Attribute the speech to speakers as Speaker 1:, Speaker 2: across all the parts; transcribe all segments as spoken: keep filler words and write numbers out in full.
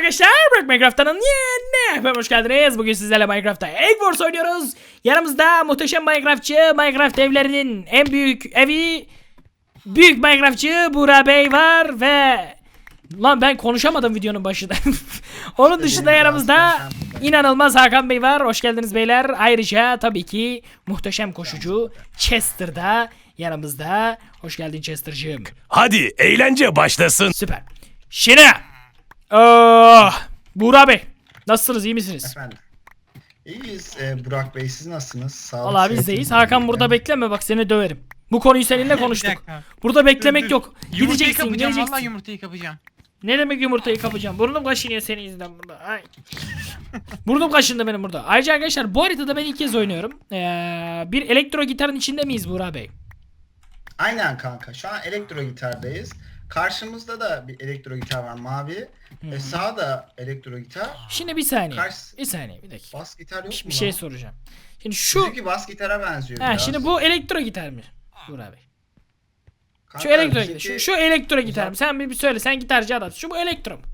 Speaker 1: arkadaşlar, Burak Minecraft'ın yeni bölümüne hoş geldiniz. Bugün sizlerle Minecraft'ta Egg Wars oynuyoruz. Yanımızda muhteşem Minecraftçı, Minecraft evlerinin en büyük evi, büyük Minecraftçı Burak Bey var ve lan ben konuşamadım videonun başında. Onun dışında yanımızda inanılmaz Hakan Bey var. Hoş geldiniz beyler. Ayrıca tabii ki muhteşem koşucu Chester da yanımızda. Hoş geldin Chester'cığım.
Speaker 2: Hadi eğlence başlasın.
Speaker 1: Süper. Şimdi oh, Burak Bey nasılsınız, iyi misiniz?
Speaker 3: Efendim. İyiyiz ee, Burak Bey, siz nasılsınız? Sağlık,
Speaker 1: Vallahi biz
Speaker 3: sıhhat,
Speaker 1: deyiz.
Speaker 3: iyiliğiniz
Speaker 1: Hakan burada bekleme, bak seni döverim. Bu konuyu seninle konuştuk.
Speaker 4: dakika.
Speaker 1: Burada beklemek
Speaker 4: Dur, dur.
Speaker 1: yok.
Speaker 4: Yumurtayı
Speaker 1: Gideceksin,
Speaker 4: kapacağım,
Speaker 1: geleceksin.
Speaker 4: vallahi yumurtayı kapacağım.
Speaker 1: Ne demek yumurtayı kapacağım? Burnum kaşınıyor senin yüzünden burada. Ay. Burnum kaşındı benim burada. Ayrıca arkadaşlar bu haritada ben ilk kez oynuyorum. Ee, bir elektro gitarın içinde miyiz Burak Bey?
Speaker 3: Aynen kanka. Şu an elektro gitardayız. Karşımızda da bir elektro gitar var, mavi. E, sağda elektro gitar.
Speaker 1: Şimdi bir saniye.
Speaker 3: Karşı-
Speaker 1: Bir saniye, bir dakika.
Speaker 3: Bas gitar yok
Speaker 1: Bir,
Speaker 3: mu
Speaker 1: bir şey
Speaker 3: lan?
Speaker 1: soracağım. Şimdi şu
Speaker 3: Bizimki bas gitara benziyor
Speaker 1: ha,
Speaker 3: biraz.
Speaker 1: şimdi bu elektro gitar mı Burak Bey?
Speaker 3: Kanka,
Speaker 1: Şu elektro gitar.
Speaker 3: bizimki-
Speaker 1: Şu, şu elektro gitar
Speaker 3: Uzak-
Speaker 1: mı? Sen bir, bir söyle. Sen gitarcı adamsın. Şu bu elektro mu?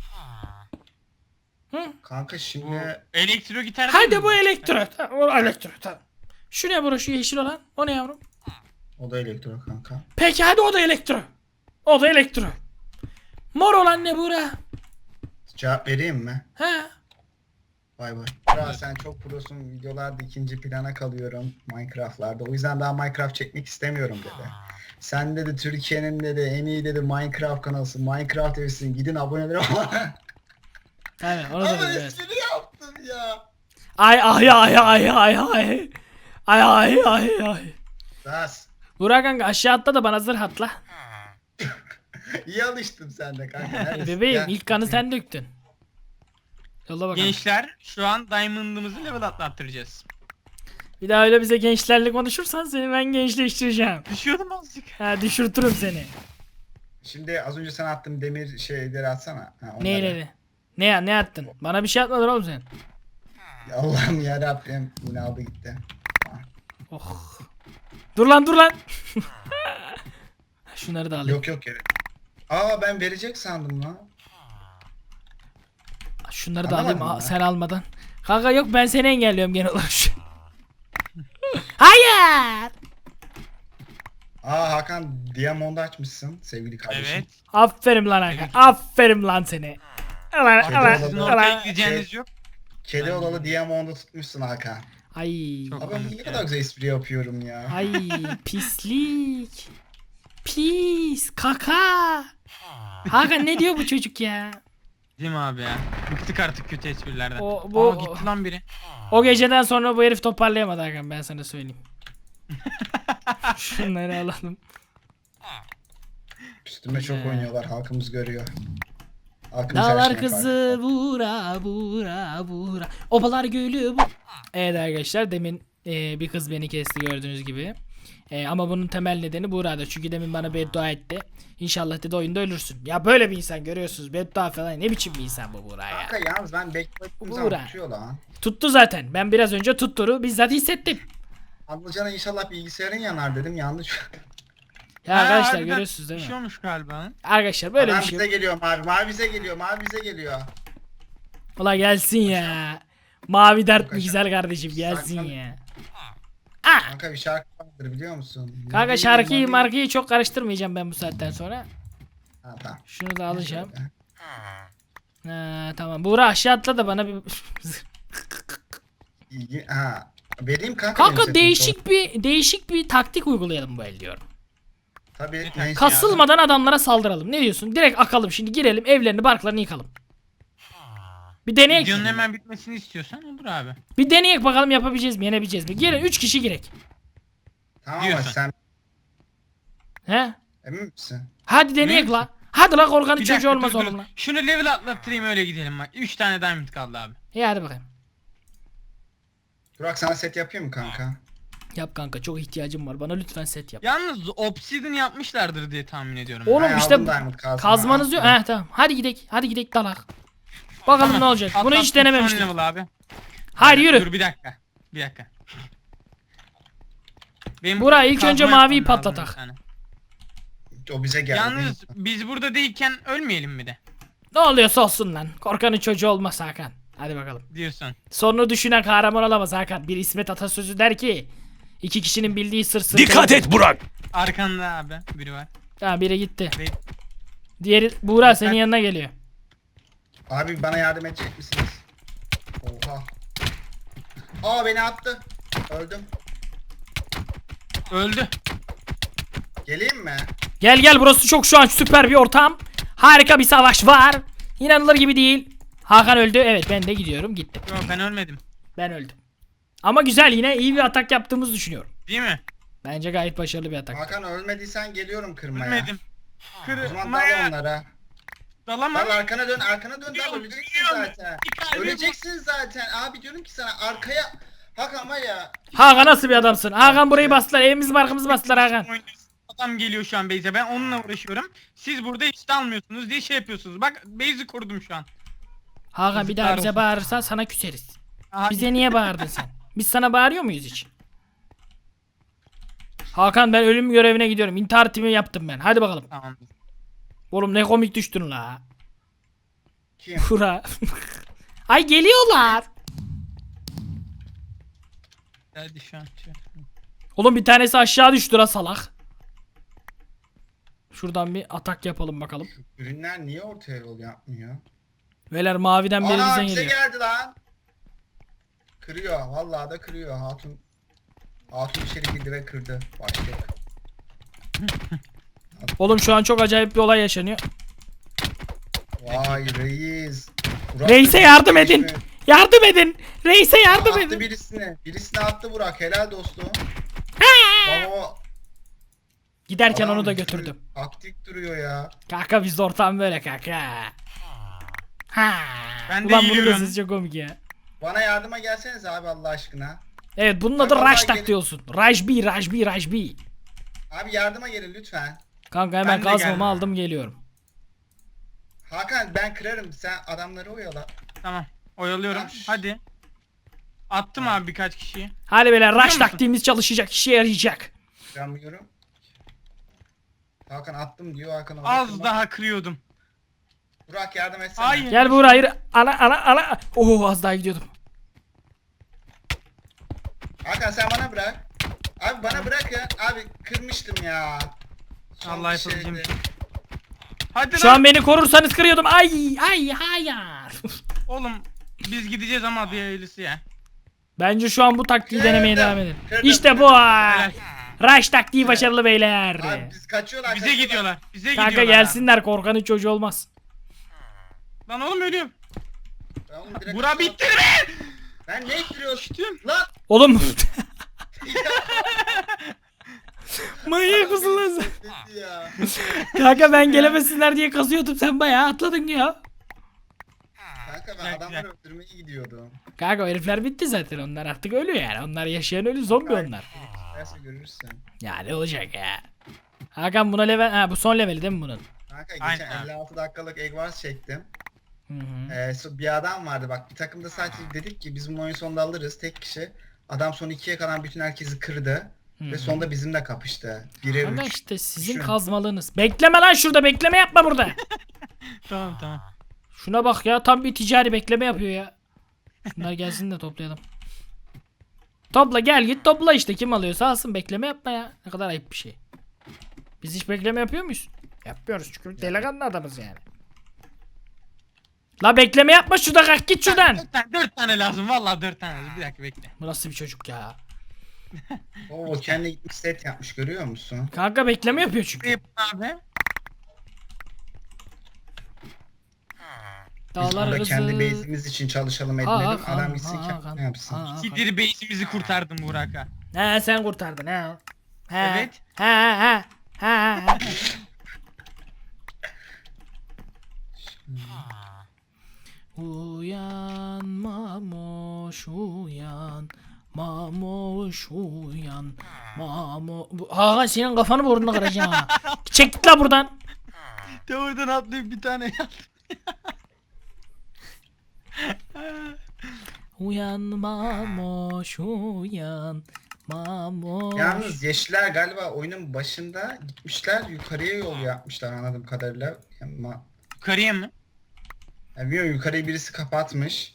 Speaker 1: Hı?
Speaker 3: Kanka
Speaker 4: Bu
Speaker 3: şimdi
Speaker 4: elektro gitar değil
Speaker 1: Hadi
Speaker 4: mi
Speaker 1: bu elektro. Tamam, o elektro tamam. Şu ne bro, şu yeşil olan? O ne yavrum?
Speaker 3: o da elektro kanka.
Speaker 1: Peki hadi o da elektro. O da elektro. Mor olan ne Burak?
Speaker 3: Cevap vereyim mi?
Speaker 1: Ha?
Speaker 3: Bay bay. Burak, sen çok prosun, videolarda ikinci plana kalıyorum Minecraft'larda. O yüzden daha Minecraft çekmek istemiyorum dedi. Sen dedi Türkiye'nin dedi en iyi dedi Minecraft kanalısın. Minecraft evisin. Gidin abone olun.
Speaker 1: Aynen onu da
Speaker 3: Ama
Speaker 1: dedim, evet.
Speaker 3: espri yaptım ya.
Speaker 1: Ay ay ay ay ay ay. Ay ay ay ay.
Speaker 3: Das.
Speaker 1: Burak kanka aşağı atla da bana zırh atla.
Speaker 3: İyi alıştın sen de kanka. Neredesin?
Speaker 1: Bebeğim
Speaker 3: Gel.
Speaker 1: ilk kanı sen döktün. Yolla bakalım.
Speaker 4: Gençler şu an diamond'ımızı level atlattıracağız.
Speaker 1: Bir daha öyle bize gençlerle konuşursan seni ben gençleştireceğim.
Speaker 4: Düşüyordum azıcık.
Speaker 1: Ha, düşürtürüm seni.
Speaker 3: Şimdi az önce sana attığım demir şeyleri atsana. Ha, onları.
Speaker 1: Neyleri? Ne ya, ne attın? Bana bir şey atmadın oğlum sen.
Speaker 3: Allah'ım yarabbim. Yine aldı gitti.
Speaker 1: Oh. Dur lan dur lan. Şunları da alayım.
Speaker 3: Yok yok gerek. Aa, ben verecek sandım lan.
Speaker 1: Şunları da
Speaker 3: Anlamadım
Speaker 1: alayım
Speaker 3: ben.
Speaker 1: sen almadan. Kanka yok, ben seni engelliyorum genel olarak. Hayır.
Speaker 3: Aa, Hakan Diamond açmışsın sevgili kardeşim.
Speaker 4: Evet.
Speaker 1: Aferin lan Hakan. Aferin lan seni. Ulan
Speaker 3: Kedi
Speaker 1: ulan
Speaker 4: Sizin
Speaker 3: olalı-
Speaker 4: ortaya
Speaker 1: ulan.
Speaker 4: gideceğiniz yok.
Speaker 3: Kedi olalı Diamond'u tutmuşsun Hakan.
Speaker 1: Ay.
Speaker 4: Çok-
Speaker 3: Abi ben ne kadar güzel espri yapıyorum ya.
Speaker 1: Ay pislik. Pis. Kaka. Hakan ne diyor bu çocuk ya?
Speaker 4: Değil mi abi ya? Bıktık artık kötü esprilerden.
Speaker 1: O- bu-
Speaker 4: Aa, gitti lan biri.
Speaker 1: O geceden sonra bu herif toparlayamadı Hakan, ben sana söyleyeyim. Şunları alalım.
Speaker 3: Üstüme çok
Speaker 1: Güzel.
Speaker 3: oynuyorlar, halkımız görüyor. Halkımız her
Speaker 1: Dağlar
Speaker 3: şeyin
Speaker 1: kızı
Speaker 3: farkında.
Speaker 1: bura bura bura. Obalar gülü bu. Evet arkadaşlar, demin e, bir kız beni kesti gördüğünüz gibi. E, ama bunun temel nedeni Buğra'da. Çünkü demin bana beddua etti. İnşallah dedi oyunda ölürsün. Ya böyle bir insan görüyorsunuz. Beddua falan, ne biçim bir insan bu Buğra ya.
Speaker 3: Kanka yalnız ben beklettiğim
Speaker 1: Buğra.
Speaker 3: zaman tutuyor lan.
Speaker 1: Tuttu zaten. Ben biraz önce tuttuğunu bizzat hissettim.
Speaker 3: Anlayacağına inşallah bilgisayarın yanar dedim, yanlış.
Speaker 1: Ya
Speaker 4: Ha,
Speaker 1: arkadaşlar
Speaker 4: harbiden
Speaker 1: görüyorsunuz değil
Speaker 4: Bir
Speaker 1: mi?
Speaker 4: şey olmuş galiba.
Speaker 1: Arkadaşlar böyle
Speaker 3: Adam
Speaker 1: bir şey
Speaker 3: bize
Speaker 1: yok.
Speaker 3: geliyor mavi, mavi bize geliyor, mavi bize geliyor.
Speaker 1: Ulan gelsin ya. Mavi dert mi
Speaker 3: Kanka,
Speaker 1: güzel kardeşim, gelsin
Speaker 3: saklan-
Speaker 1: ya. Ah!
Speaker 3: Kanka bir şarkı vardır biliyor musun?
Speaker 1: Kanka
Speaker 3: Mavi,
Speaker 1: şarkıyı
Speaker 3: mavi-
Speaker 1: markayı çok karıştırmayacağım ben bu saatten sonra.
Speaker 3: Ha, tamam.
Speaker 1: Şunu da alacağım. Ha, tamam. Buğra aşağı atla da bana bir...
Speaker 3: İyi, ha. Vereyim kanka. benim
Speaker 1: Kanka
Speaker 3: setim,
Speaker 1: değişik bir değişik bir taktik uygulayalım bu el diyorum.
Speaker 3: Tabii.
Speaker 4: taktiği
Speaker 3: neyse.
Speaker 1: Kasılmadan adamlara saldıralım. Ne diyorsun? Direkt akalım şimdi, girelim evlerini barklarını yıkalım. Bir deneyek.
Speaker 4: Videonun hemen bitmesini istiyorsan olur abi.
Speaker 1: Bir deneyek bakalım, yapabileceğiz mi, yenebileceğiz mi? Girin üç kişi girek.
Speaker 3: Tamam ama
Speaker 4: Diyorsun.
Speaker 3: sen
Speaker 1: He?
Speaker 3: emin misin?
Speaker 1: Hadi deneyek
Speaker 4: Ne?
Speaker 1: la. Hadi la, korkanın
Speaker 4: Bir
Speaker 1: çocuğu
Speaker 4: dakika,
Speaker 1: olmaz
Speaker 4: dur, dur.
Speaker 1: oğlum la.
Speaker 4: Şunu level atlattırayım öyle gidelim bak. üç tane diamond kaldı abi.
Speaker 1: İyi hadi bakayım.
Speaker 3: Burak, sana set yapayım mı kanka?
Speaker 1: Yap kanka, çok ihtiyacım var. Bana lütfen set yap.
Speaker 4: Yalnız obsidian yapmışlardır diye tahmin ediyorum.
Speaker 1: Oğlum
Speaker 3: Ben
Speaker 1: işte
Speaker 3: aldım diamond kazma.
Speaker 1: kazmanız yok. He tamam. Hadi gidek. Hadi gidek dalak. Bakalım
Speaker 4: Tamam,
Speaker 1: ne olacak. Bunu hiç
Speaker 4: atlattım,
Speaker 1: denememiştim.
Speaker 4: son level abi.
Speaker 1: Hayır yürü.
Speaker 4: Dur bir dakika. Bir dakika. Benim
Speaker 1: Burak, ilk
Speaker 4: kazma
Speaker 1: önce
Speaker 4: yapmam
Speaker 1: maviyi
Speaker 4: lazım
Speaker 1: patlatak.
Speaker 4: bir tane.
Speaker 3: O bize geldi.
Speaker 4: Yalnız biz burada değilken ölmeyelim mi de?
Speaker 1: Ne oluyorsa olsun lan. Korkanın çocuğu olmaz Hakan. Hadi bakalım.
Speaker 4: Diyorsun.
Speaker 1: Sonunu düşünen kahraman olamaz Hakan. Bir İsmet atasözü der ki iki kişinin bildiği sır sır.
Speaker 2: Dikkat et Burak.
Speaker 4: Arkanda abi biri var.
Speaker 1: Tamam biri gitti.
Speaker 4: Ve
Speaker 1: Diğeri Buğra senin yanına geliyor.
Speaker 3: Abi bana yardım edecek misiniz? Oha. Aa beni attı. Öldüm.
Speaker 4: öldü.
Speaker 3: Geleyim mi?
Speaker 1: Gel gel burası çok şu an süper bir ortam. Harika bir savaş var. İnanılır gibi değil. Hakan öldü. Evet ben de gidiyorum. Gittim.
Speaker 4: Yok ben ölmedim.
Speaker 1: Ben öldüm. Ama güzel yine iyi bir atak yaptığımızı düşünüyorum.
Speaker 4: Değil mi?
Speaker 1: Bence gayet başarılı bir atak.
Speaker 3: Hakan ölmediysen geliyorum kırmaya.
Speaker 4: Ölmedim.
Speaker 3: O zaman dal
Speaker 4: Kırmaya
Speaker 3: onlara.
Speaker 4: dalamam.
Speaker 3: Dal arkana dön, arkana dön, dal
Speaker 4: Biliyorum,
Speaker 3: öleceksin
Speaker 4: biliyorum.
Speaker 3: zaten.
Speaker 4: Bir kalbim
Speaker 3: Öleceksin zaten. Abi diyorum ki sana arkaya. Hakan var ya.
Speaker 1: Hakan nasıl bir adamsın? Hakan burayı bastılar. Evimizi barkımızı bastılar Hakan.
Speaker 4: Adam geliyor şu an base'e. Ben onunla uğraşıyorum. Siz burada hiç de almıyorsunuz diye şey yapıyorsunuz. Bak base'i korudum şu an.
Speaker 1: Hakan bir daha
Speaker 4: Yazıklar
Speaker 1: bize
Speaker 4: olsun.
Speaker 1: bağırırsan sana küseriz.
Speaker 4: Aha,
Speaker 1: Bize niye bağırdın sen? Biz sana bağırıyor muyuz hiç? Hakan ben ölüm görevine gidiyorum. İntihar timi yaptım ben. Hadi bakalım.
Speaker 4: Tamam.
Speaker 1: Oğlum ne komik düştün la.
Speaker 3: Kim?
Speaker 1: Kura. Ay geliyorlar.
Speaker 4: Hadi şu an. Şu an.
Speaker 1: Oğlum bir tanesi aşağı düştü la salak. Şuradan bir atak yapalım bakalım.
Speaker 3: Ürünler niye ortaya yol yapmıyor?
Speaker 1: Beyler maviden biri
Speaker 3: Aa
Speaker 1: bize
Speaker 3: bize
Speaker 1: geliyor.
Speaker 3: geldi lan. Kırıyor. Vallahi da kırıyor. Hatun. Hatun içeri girdi ve kırdı. Başlık.
Speaker 1: Oğlum şu an çok acayip bir olay yaşanıyor.
Speaker 3: Vay reis. Burak
Speaker 1: Reis'e
Speaker 3: da
Speaker 1: yardım
Speaker 3: birisine
Speaker 1: edin.
Speaker 3: düşmüş.
Speaker 1: Yardım edin. Reis'e yardım
Speaker 3: Attı
Speaker 1: edin.
Speaker 3: birisine. Birisine attı Burak. Helal dostum. Baba.
Speaker 1: Giderken
Speaker 3: adam
Speaker 1: onu da
Speaker 3: bir
Speaker 1: götürdüm.
Speaker 3: sürü Aktif duruyor ya.
Speaker 1: Kanka bizde ortam böyle kanka. Ha.
Speaker 4: Ben de
Speaker 1: Ulan bunun da
Speaker 4: yürüyorum.
Speaker 1: sesi çok komik ya.
Speaker 3: Bana yardıma gelseniz abi Allah aşkına.
Speaker 1: Evet bunun adı
Speaker 3: Ben vallahi
Speaker 1: Raj
Speaker 3: gelin-
Speaker 1: taktiği olsun. Rajbi, Rajbi, Rajbi.
Speaker 3: Abi yardıma gelin lütfen.
Speaker 1: Kanka hemen
Speaker 4: Ben de
Speaker 1: kazmamı
Speaker 4: geldim.
Speaker 1: aldım geliyorum.
Speaker 3: Hakan ben kırarım. Sen adamları oyala.
Speaker 4: Tamam. Oyalıyorum.
Speaker 3: Tamam.
Speaker 4: Hadi. Attım abi birkaç kişiyi.
Speaker 1: Hadi beyler Raj
Speaker 4: musun?
Speaker 1: taktiğimiz çalışacak, işe yarayacak.
Speaker 3: Kıramıyorum. Hakan attım diyor. Hakan orada
Speaker 4: Az
Speaker 3: kırmak-
Speaker 4: daha kırıyordum.
Speaker 3: Burak yardım etsene.
Speaker 4: Hayır.
Speaker 1: Gel Buğra hayır. Ana ana ana. Oo az daha gidiyordum.
Speaker 3: Hakan sen bana bırak. Abi bana bırak ya. Abi kırmıştım ya. Son
Speaker 4: Allah
Speaker 3: bir şeydi.
Speaker 4: yapacağım. Hadi
Speaker 1: Şu
Speaker 4: lan.
Speaker 1: an beni korursanız kırıyordum. Ay ay hayır.
Speaker 4: Oğlum biz gideceğiz ama bir hayırlısı ya.
Speaker 1: Bence şu an bu taktiği
Speaker 3: Kırdım,
Speaker 1: denemeye devam edin.
Speaker 3: kırdım,
Speaker 1: İşte bu.
Speaker 4: Helal.
Speaker 1: Raj taktiği başarılı beyler.
Speaker 3: Abi biz kaçıyorlar.
Speaker 4: Bize
Speaker 3: kaçıyorlar.
Speaker 4: gidiyorlar. Bize
Speaker 1: Kanka
Speaker 4: gidiyorlar.
Speaker 1: gelsinler korkanın çocuğu olmaz.
Speaker 4: Lan oğlum ölüyorum.
Speaker 3: Ben oğlum direkt
Speaker 4: Bura
Speaker 3: kaçıyorum.
Speaker 4: bitti mi?
Speaker 3: Ben ne ittiriyorsun?
Speaker 4: Düştüm.
Speaker 3: Lan.
Speaker 1: Oğlum. Manyak mısın lan sen?
Speaker 3: Bitti ya.
Speaker 1: Kanka ben gelemesinler diye kazıyordum sen bayağı atladın ya.
Speaker 3: Kanka ben
Speaker 4: Güzel,
Speaker 3: adamları
Speaker 4: güzel.
Speaker 3: öldürmeye gidiyordum.
Speaker 1: Kanka o herifler bitti zaten onlar artık ölü yani. Onlar yaşayan ölü zombi onlar.
Speaker 3: Neyse görürsün.
Speaker 1: Ya ne olacak ya. Hakan buna level ha bu son leveli değil mi bunun?
Speaker 3: Kanka geçen
Speaker 4: Aynen.
Speaker 3: elli altı dakikalık Egg Wars çektim.
Speaker 1: Hı hı.
Speaker 3: Ee, so- bir adam vardı bak bir takımda sadece dedik ki biz bu oyun sonunda alırız tek kişi. Adam son ikiye kalan bütün herkesi kırdı.
Speaker 1: Hı
Speaker 3: Ve
Speaker 1: hı.
Speaker 3: sonunda bizimle kapıştı. Bire
Speaker 1: Kanka
Speaker 3: üç.
Speaker 1: işte sizin
Speaker 3: Düşün.
Speaker 1: kazmalığınız. Bekleme lan şurada bekleme yapma burada.
Speaker 4: Tamam tamam.
Speaker 1: Şuna bak ya tam bir ticari bekleme yapıyor ya. Şunlar gelsin de toplayalım. Topla gel git topla işte kim alıyorsa alsın bekleme yapma ya. Ne kadar ayıp bir şey. Biz hiç bekleme yapıyor muyuz? Yapmıyoruz çünkü delikanlı adamız yani. La bekleme yapma şurada kalk git şuradan.
Speaker 4: Dört tane, dört tane lazım. Vallahi dört tane lazım. Bir dakika bekle.
Speaker 1: Bu nasıl bir çocuk ya?
Speaker 3: Oo kendi gitmiş set yapmış görüyor musun?
Speaker 1: Kanka bekleme yapıyor çünkü.
Speaker 4: Yap abi.
Speaker 3: Biz
Speaker 1: Dağlar
Speaker 3: burada kendi
Speaker 1: kızı.
Speaker 3: base'imiz için çalışalım etmedim.
Speaker 1: Hakan,
Speaker 3: Adam gitsin
Speaker 1: Hakan,
Speaker 3: kendi yapsın.
Speaker 1: Hakan.
Speaker 4: Sidir base'imizi kurtardım Burak'a.
Speaker 1: He sen kurtardın he. He.
Speaker 4: Evet.
Speaker 1: He he he. He he. Uyan mamoş uyan. Mamoş uyan. Mamo... Bu- Hakan senin kafanı burnunu kıracağım ha. Çek git la buradan.
Speaker 4: De oradan atlayıp bir tane yaptım.
Speaker 1: Uyan mamoş uyan. Mamoş.
Speaker 3: Yalnız yeşiller galiba oyunun başında gitmişler yukarıya yol yapmışlar anladığım kadarıyla. Yani ma-
Speaker 4: Yukarıya mı?
Speaker 3: Ya bilmiyorum, yukarıyı birisi kapatmış.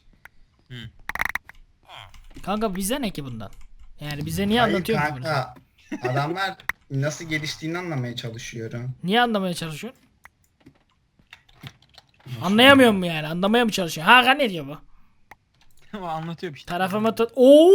Speaker 1: Kanka bize ne ki bundan? Yani bize niye
Speaker 3: Hayır
Speaker 1: anlatıyor ki bunu?
Speaker 3: kanka. Adamlar nasıl geliştiğini anlamaya çalışıyorum.
Speaker 1: Niye anlamaya çalışıyorsun? Anlayamıyor mu yani? Anlamaya mı çalışıyor? Hakan ne diyor bu?
Speaker 4: O anlatıyor bir şey.
Speaker 1: Tarafıma tut. Oo!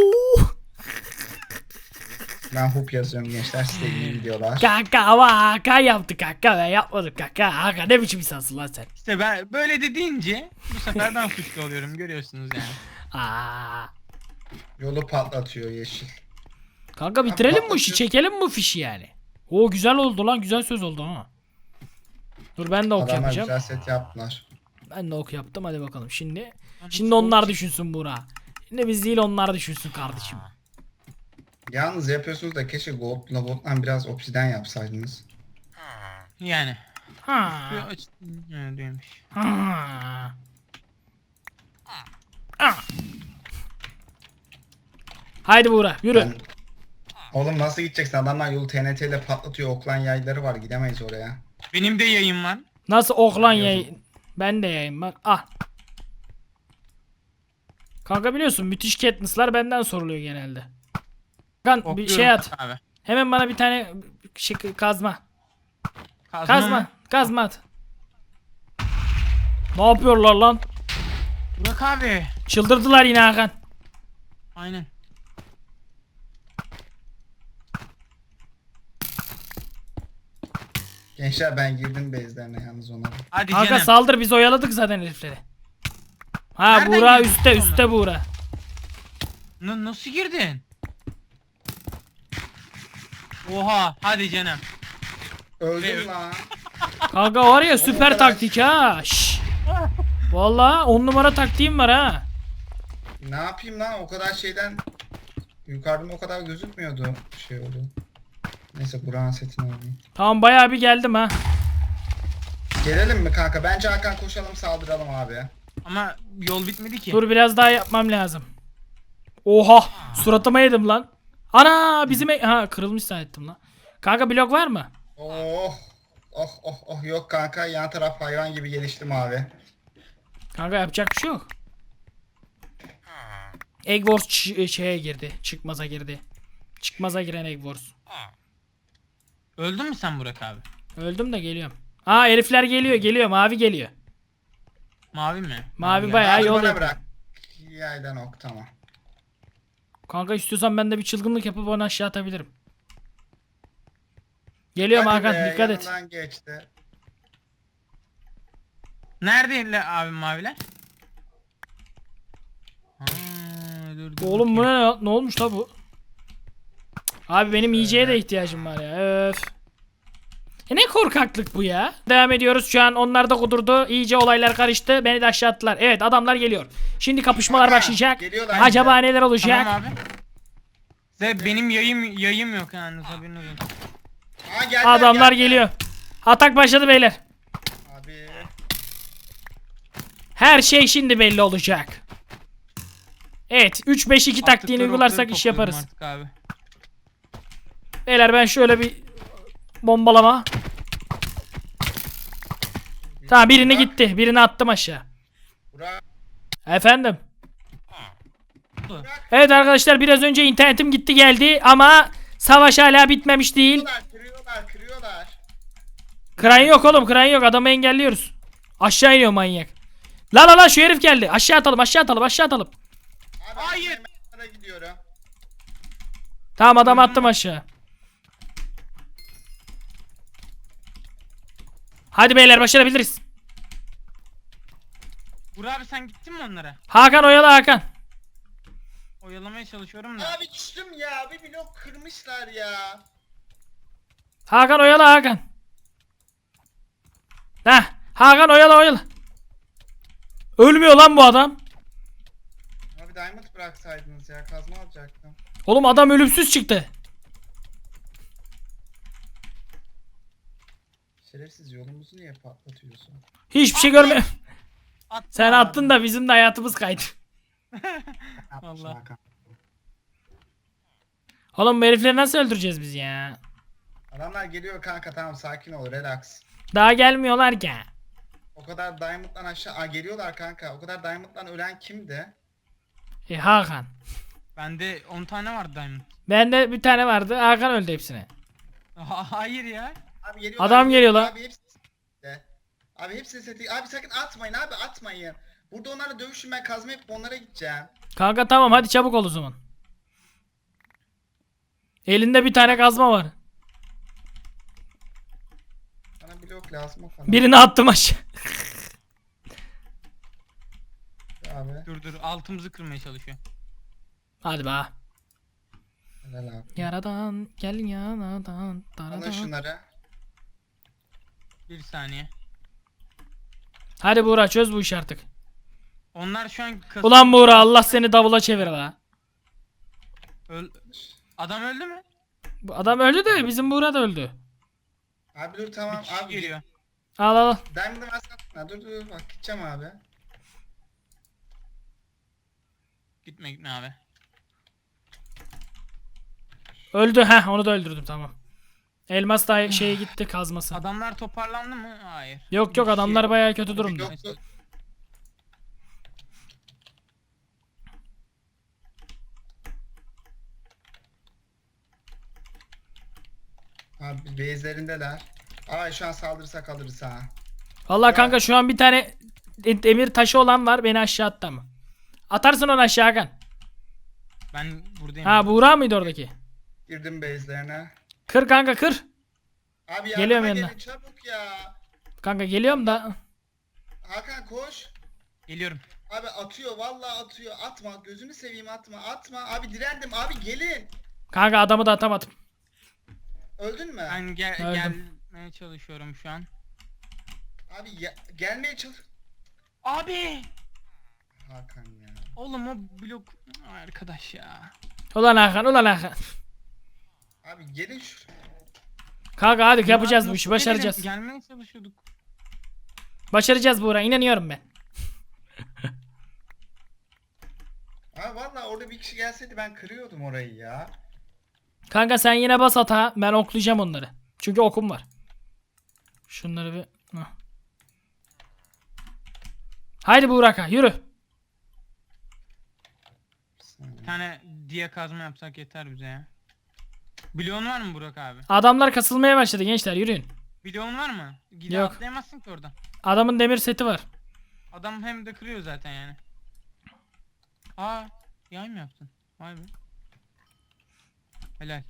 Speaker 3: Ben hoop yazıyorum gençler, size iyi videolar.
Speaker 1: Kanka ama Hakan yaptı kanka, ben yapmadım kanka. Hakan ne biçim insansın lan sen?
Speaker 4: İşte ben böyle de deyince bu sefer ben suçlu oluyorum, görüyorsunuz yani.
Speaker 1: Aa.
Speaker 3: Yolu patlatıyor yeşil.
Speaker 1: Kanka bitirelim bu işi,
Speaker 3: patlatıyor.
Speaker 1: çekelim bu fişi yani. O güzel oldu lan, güzel söz oldu ha. Dur ben de ok
Speaker 3: Adamlar
Speaker 1: yapacağım.
Speaker 3: güzel set yaptılar.
Speaker 1: Ben de ok yaptım, hadi bakalım şimdi. Şimdi onlar düşünsün Buğra. Şimdi biz değil, onlar düşünsün kardeşim.
Speaker 3: Yalnız yapıyorsunuz da keşke gold'la gold'dan biraz obsiden yapsaydınız.
Speaker 4: Yani.
Speaker 1: Ha.
Speaker 4: Şu aç... Evet, değilmiş.
Speaker 1: Ha. Ha. Haydi Buğra yürü.
Speaker 3: Ben... Oğlum nasıl gideceksin? Adamlar yolu T N T ile patlatıyor. Oklan yayları var. Gidemeyiz oraya.
Speaker 4: Benim de yayın var.
Speaker 1: Nasıl oklan yayın? Ben de yayın var. Ah. Kanka biliyorsun müthiş Katniss'lar benden soruluyor genelde. Kan bir
Speaker 4: Okluyorum
Speaker 1: şey at.
Speaker 4: Abi.
Speaker 1: Hemen bana bir tane şey, kazma.
Speaker 4: Kazma.
Speaker 1: Kazma.
Speaker 4: mı?
Speaker 1: Kazma at. Ne yapıyorlar lan?
Speaker 4: Burak abi.
Speaker 1: Çıldırdılar yine Hakan.
Speaker 4: Aynen.
Speaker 3: Gençler ben girdim base'lerine yalnız ona.
Speaker 4: Hadi
Speaker 1: Hakan
Speaker 4: canım.
Speaker 1: saldır, biz oyaladık zaten herifleri. Ha
Speaker 4: Nereden
Speaker 1: Buğra
Speaker 4: girdin
Speaker 1: üstte
Speaker 4: sen
Speaker 1: üstte Buğra.
Speaker 4: N- nasıl girdin? Oha, hadi canım.
Speaker 3: Öldüm
Speaker 4: Ve-
Speaker 3: lan.
Speaker 1: Kanka var ya süper
Speaker 3: kadar-
Speaker 1: taktik ha. Şşş. Vallahi on numara taktiğim var ha.
Speaker 3: Ne yapayım lan, o kadar şeyden yukarıdan o kadar gözükmüyordu şey oldu. Neyse Burak'ın setini alayım.
Speaker 1: Tamam bayağı bir geldim ha.
Speaker 3: Gelelim mi kanka? Bence Hakan koşalım, saldıralım abi.
Speaker 4: Ama yol bitmedi ki.
Speaker 1: Dur biraz daha yapmam lazım. Oha suratıma yedim lan. Ana bizim e- ha kırılmış zannettim lan. Kanka blok var mı?
Speaker 3: Oh oh oh oh, yok kanka, yan taraf hayvan gibi geliştim abi.
Speaker 1: Kanka yapacak bir şey yok. Egg Wars ç- şeye girdi. Çıkmaza girdi. Çıkmaza giren Egg Wars.
Speaker 4: Öldün mü sen Burak abi?
Speaker 1: Öldüm de geliyorum. Aa herifler geliyor geliyor, mavi geliyor.
Speaker 4: Mavi mi?
Speaker 1: Mavi
Speaker 4: gel.
Speaker 1: bayağı
Speaker 3: Abi
Speaker 1: yol
Speaker 3: bana
Speaker 1: yapıyor.
Speaker 3: bırak. Yaydan ok, tamam.
Speaker 1: Kanka istiyorsan ben de bir çılgınlık yapıp onu aşağı atabilirim. Geliyorum
Speaker 3: Hadi
Speaker 1: Hakan,
Speaker 3: be,
Speaker 1: dikkat et.
Speaker 3: yanından geçti.
Speaker 4: Nerede la- abi maviler? Ha, dur, dur
Speaker 1: Oğlum bu
Speaker 4: bakayım.
Speaker 1: ne, ne olmuş la bu? Cık, Abi benim yiyeceğe de ihtiyacım var ya. Öf. E ne korkaklık bu ya? Devam ediyoruz şu an, onlar da kudurdu. İyice olaylar karıştı. Beni de aşağı attılar. Evet adamlar geliyor. Şimdi kapışmalar
Speaker 3: Aha,
Speaker 1: başlayacak.
Speaker 3: geliyorlar
Speaker 1: Acaba
Speaker 3: işte.
Speaker 1: neler olacak?
Speaker 4: Tamam abi. Size benim yayım yayım yok yani, haberiniz olsun.
Speaker 3: Aa, geldiler,
Speaker 1: Adamlar
Speaker 3: geldiler.
Speaker 1: geliyor. Atak başladı beyler.
Speaker 3: Abi.
Speaker 1: Her şey şimdi belli olacak. Evet üç beş iki taktiğini
Speaker 4: Attıkları
Speaker 1: uygularsak
Speaker 4: okları
Speaker 1: iş
Speaker 4: topluyorum
Speaker 1: yaparız.
Speaker 4: artık abi.
Speaker 1: Beyler ben şöyle bir bombalama. Tamam birini gitti. Birini attım aşağı.
Speaker 3: Burak.
Speaker 1: Efendim. Evet arkadaşlar biraz önce internetim gitti geldi ama savaş hala bitmemiş değil.
Speaker 3: Kırıyorlar, kırıyorlar, kırıyorlar.
Speaker 1: Kran yok oğlum, kran yok, adamı engelliyoruz. Aşağı iniyor manyak. La la la şu herif geldi. Aşağı atalım, aşağı atalım, aşağı atalım.
Speaker 3: Abi,
Speaker 4: Hayır.
Speaker 3: Hayır. Gidiyorum.
Speaker 1: Tamam adamı attım aşağı. Hadi beyler başarabiliriz.
Speaker 4: Burak abi sen gittin mi onlara?
Speaker 1: Hakan oyala Hakan.
Speaker 4: Oyalamaya çalışıyorum da.
Speaker 3: Abi düştüm ya, bir blok kırmışlar ya.
Speaker 1: Hakan oyala Hakan. Heh, Hakan oyala oyala. Ölmüyor lan bu adam.
Speaker 3: Abi diamond bıraksaydınız ya, kazma alacaktım.
Speaker 1: Oğlum adam ölümsüz çıktı.
Speaker 3: Şerefsiz, yolumuzu niye patlatıyorsun?
Speaker 1: Hiçbir şey görme.
Speaker 4: Attım
Speaker 1: Sen
Speaker 4: abi.
Speaker 1: attın da bizim de hayatımız kaydı.
Speaker 3: Yapmışsın
Speaker 4: Allah.
Speaker 3: Hakan.
Speaker 1: Oğlum bu herifleri nasıl öldüreceğiz biz ya?
Speaker 3: Adamlar geliyor kanka, tamam sakin ol, relax.
Speaker 1: Daha gelmiyorlar ki.
Speaker 3: O kadar Diamond'dan aşağı Aa, geliyorlar kanka. O kadar Diamond'dan ölen kimdi?
Speaker 1: E, Hakan.
Speaker 4: Bende on tane vardı diamond.
Speaker 1: Bende bir tane vardı. Hakan öldü hepsine.
Speaker 4: Ha- Hayır ya.
Speaker 3: Abi geliyorlar.
Speaker 1: Adam geliyor lan.
Speaker 3: Abi hepsi seti. Abi hepsi seti. Abi sakın atmayın abi atmayın. Burada onlarla dövüşün ben kazma yapıp onlara gideceğim.
Speaker 1: Kanka tamam hadi çabuk ol o zaman. Elinde bir tane kazma var.
Speaker 3: Bana blok lazım o kadar.
Speaker 1: Birini attım aşağı.
Speaker 3: Abi.
Speaker 4: Dur dur altımızı kırmaya çalışıyor.
Speaker 1: Hadi be.
Speaker 3: Helal abi.
Speaker 1: Yaradan gel yaradan.
Speaker 3: Alın
Speaker 1: daradan.
Speaker 3: şunları.
Speaker 4: Bir saniye.
Speaker 1: Hadi Buğra çöz bu işi artık.
Speaker 4: Onlar şu an kas-
Speaker 1: Ulan Buğra Allah seni davula çevir la.
Speaker 4: Öl- Adam öldü mü?
Speaker 1: Bu adam öldü de bizim Buğra da öldü.
Speaker 3: Abi dur tamam
Speaker 4: Bir kişi
Speaker 3: abi.
Speaker 4: geliyor.
Speaker 1: Al al al.
Speaker 3: Diamond'ı versene. Dur dur bak gideceğim abi.
Speaker 4: Gitme gitme abi.
Speaker 1: Öldü heh onu da öldürdüm tamam. Elmas da şeye gitti kazması.
Speaker 4: Adamlar toparlandı mı? Hayır.
Speaker 1: Yok yok
Speaker 4: Bir
Speaker 1: adamlar
Speaker 4: şey-
Speaker 1: bayağı kötü durumda.
Speaker 3: Yok, yok. Abi base'lerindeler. Ay şu an saldırırsak alırız ha.
Speaker 1: Vallahi kanka şu an bir tane de- demir taşı olan var beni aşağı attı ama. Atarsın onu aşağı Hakan.
Speaker 4: Ben buradayım.
Speaker 1: Ha Buğra mıydı oradaki?
Speaker 3: Girdim base'lerine.
Speaker 1: Kır kanka kır.
Speaker 3: Abi
Speaker 1: Geliyorum
Speaker 3: yardıma
Speaker 1: yanına.
Speaker 3: gelin çabuk ya.
Speaker 1: Kanka geliyorum da.
Speaker 3: Hakan koş.
Speaker 4: Geliyorum.
Speaker 3: Abi atıyor vallahi atıyor. Atma gözünü seveyim atma atma. Abi direndim abi gelin.
Speaker 1: Kanka adamı da atamadım.
Speaker 3: Öldün mü?
Speaker 4: Ben gel
Speaker 1: Öldüm.
Speaker 4: gelmeye çalışıyorum şu an.
Speaker 3: Abi ya- gelmeye çalış.
Speaker 4: Abi!
Speaker 3: Hakan ya.
Speaker 4: Oğlum o blok Ay, arkadaş ya.
Speaker 1: Ulan Hakan ulan Hakan.
Speaker 3: Abi gelin şu.
Speaker 1: Kanka hadi yapacağız bu
Speaker 4: Nasıl
Speaker 1: işi başaracağız.
Speaker 4: gelelim? Gelmeye çalışıyorduk.
Speaker 1: Başaracağız Buğra inanıyorum ben.
Speaker 3: Abi vallahi orada bir kişi gelseydi ben kırıyordum orayı ya.
Speaker 1: Kanka sen yine bas ata ben oklayacağım onları. Çünkü okum var. Şunları bir... Hah. Haydi Buğraka yürü.
Speaker 4: Bir tane diye kazma yapsak yeter bize ya. Bloğun var mı Burak abi?
Speaker 1: Adamlar kasılmaya başladı gençler yürüyün.
Speaker 4: Bloğun var mı? Gide
Speaker 1: Yok.
Speaker 4: atlayamazsın ki oradan.
Speaker 1: Adamın demir seti var.
Speaker 4: Adam hem de kırıyor zaten yani. Aa, yay mı yaptın? Vay be. Helal.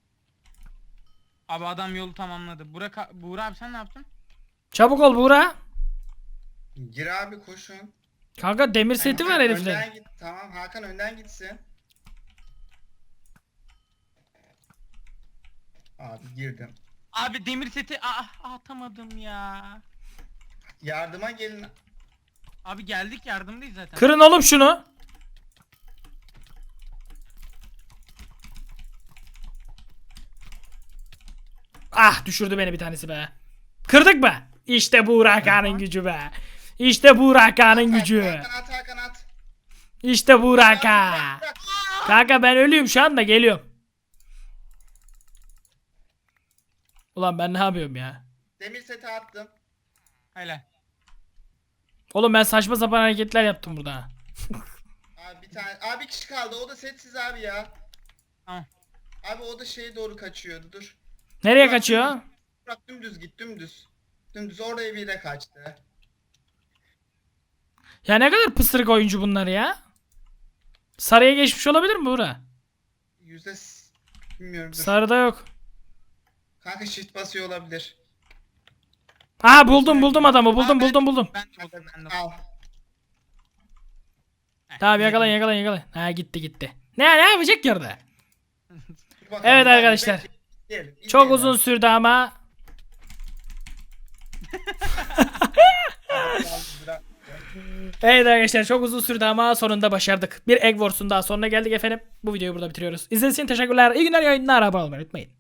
Speaker 4: Abi adam yolu tamamladı. Burak, a- Buğra abi sen ne yaptın?
Speaker 1: Çabuk ol Buğra.
Speaker 3: Gir abi koşun.
Speaker 1: Kanka demir seti var
Speaker 3: Hakan
Speaker 1: heriflerin.
Speaker 3: önden git. Tamam Hakan önden gitsin. Abi girdim.
Speaker 4: Abi demir seti ah atamadım ya.
Speaker 3: Yardıma gelin.
Speaker 4: Abi geldik yardımdayız zaten.
Speaker 1: Kırın oğlum şunu. Ah düşürdü beni bir tanesi be. Kırdık mı? İşte Buğraka'nın gücü be. İşte Buğraka'nın gücü.
Speaker 3: Hakan at Hakan at.
Speaker 1: İşte Buğraka.
Speaker 3: Bırak, bırak.
Speaker 1: Kanka ben ölüyüm şu anda geliyorum. Ulan ben ne yapıyorum ya?
Speaker 3: Demir seti attım.
Speaker 4: Helal.
Speaker 1: Oğlum ben saçma sapan hareketler yaptım burada. ha.
Speaker 3: Abi bir tane. Abi bir kişi kaldı. O da setsiz abi ya.
Speaker 4: Tamam.
Speaker 3: Abi o da şeye doğru kaçıyordu. Dur.
Speaker 1: Nereye
Speaker 3: Bırak,
Speaker 1: kaçıyor?
Speaker 3: dümdüz. Bırak dümdüz git dümdüz. Dümdüz oraya bile kaçtı.
Speaker 1: Ya ne kadar pısırık oyuncu bunlar ya. Sarıya geçmiş olabilir mi Buğra?
Speaker 3: Yüzde s- bilmiyorum dur.
Speaker 1: Sarıda yok.
Speaker 3: Kanka shift basıyor olabilir.
Speaker 1: Aa buldum buldum adamı buldum buldum buldum.
Speaker 4: Ben de buldum ben de.
Speaker 3: Al.
Speaker 4: Heh,
Speaker 1: Tamam yakalayın
Speaker 4: yedim.
Speaker 1: yakalayın yakalayın. Ha gitti gitti. Ne ne yapacak ki orada?
Speaker 3: Dur bakalım.
Speaker 1: Evet
Speaker 3: Hadi,
Speaker 1: arkadaşlar.
Speaker 3: bekle, izleyelim,
Speaker 1: Çok
Speaker 3: izleyelim.
Speaker 1: uzun sürdü ama.
Speaker 3: Bırak.
Speaker 1: Evet arkadaşlar çok uzun sürdü ama sonunda başardık. Bir Egg Wars'un daha sonuna geldik efendim. Bu videoyu burada bitiriyoruz. İzlediğiniz için teşekkürler. İyi günler yayınlar. Abone olmayı unutmayın.